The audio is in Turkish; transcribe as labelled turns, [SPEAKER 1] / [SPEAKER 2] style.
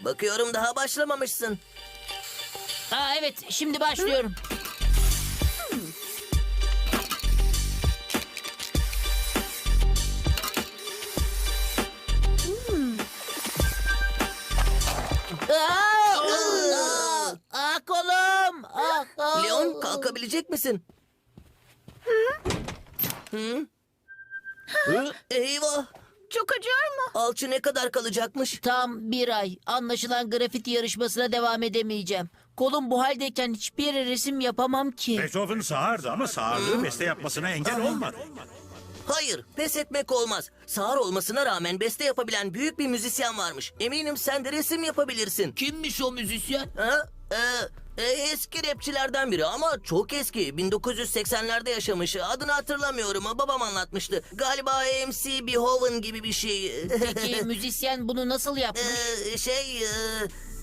[SPEAKER 1] Bakıyorum daha başlamamışsın.
[SPEAKER 2] Aa, evet, şimdi başlıyorum. Kolum.
[SPEAKER 1] Leon kalkabilecek misin? Hı? Eyvah.
[SPEAKER 3] Çok acıyor mu?
[SPEAKER 1] Alçı ne kadar kalacakmış?
[SPEAKER 2] Tam bir ay. Anlaşılan grafiti yarışmasına devam edemeyeceğim. Kolum bu haldeyken hiçbir yere resim yapamam ki.
[SPEAKER 4] Beethoven sağırdı ama sağırlığı beste yapmasına engel olmadı.
[SPEAKER 1] Hayır, pes etmek olmaz. Sağır olmasına rağmen beste yapabilen büyük bir müzisyen varmış. Eminim sen de resim yapabilirsin.
[SPEAKER 2] Kimmiş o müzisyen?
[SPEAKER 1] Ha? Eski rapçilerden biri ama çok eski. 1980'lerde yaşamış. Adını hatırlamıyorum. Babam anlatmıştı. Galiba AMC Beethoven gibi bir şey.
[SPEAKER 2] Peki müzisyen bunu nasıl yapmış?
[SPEAKER 1] Şey...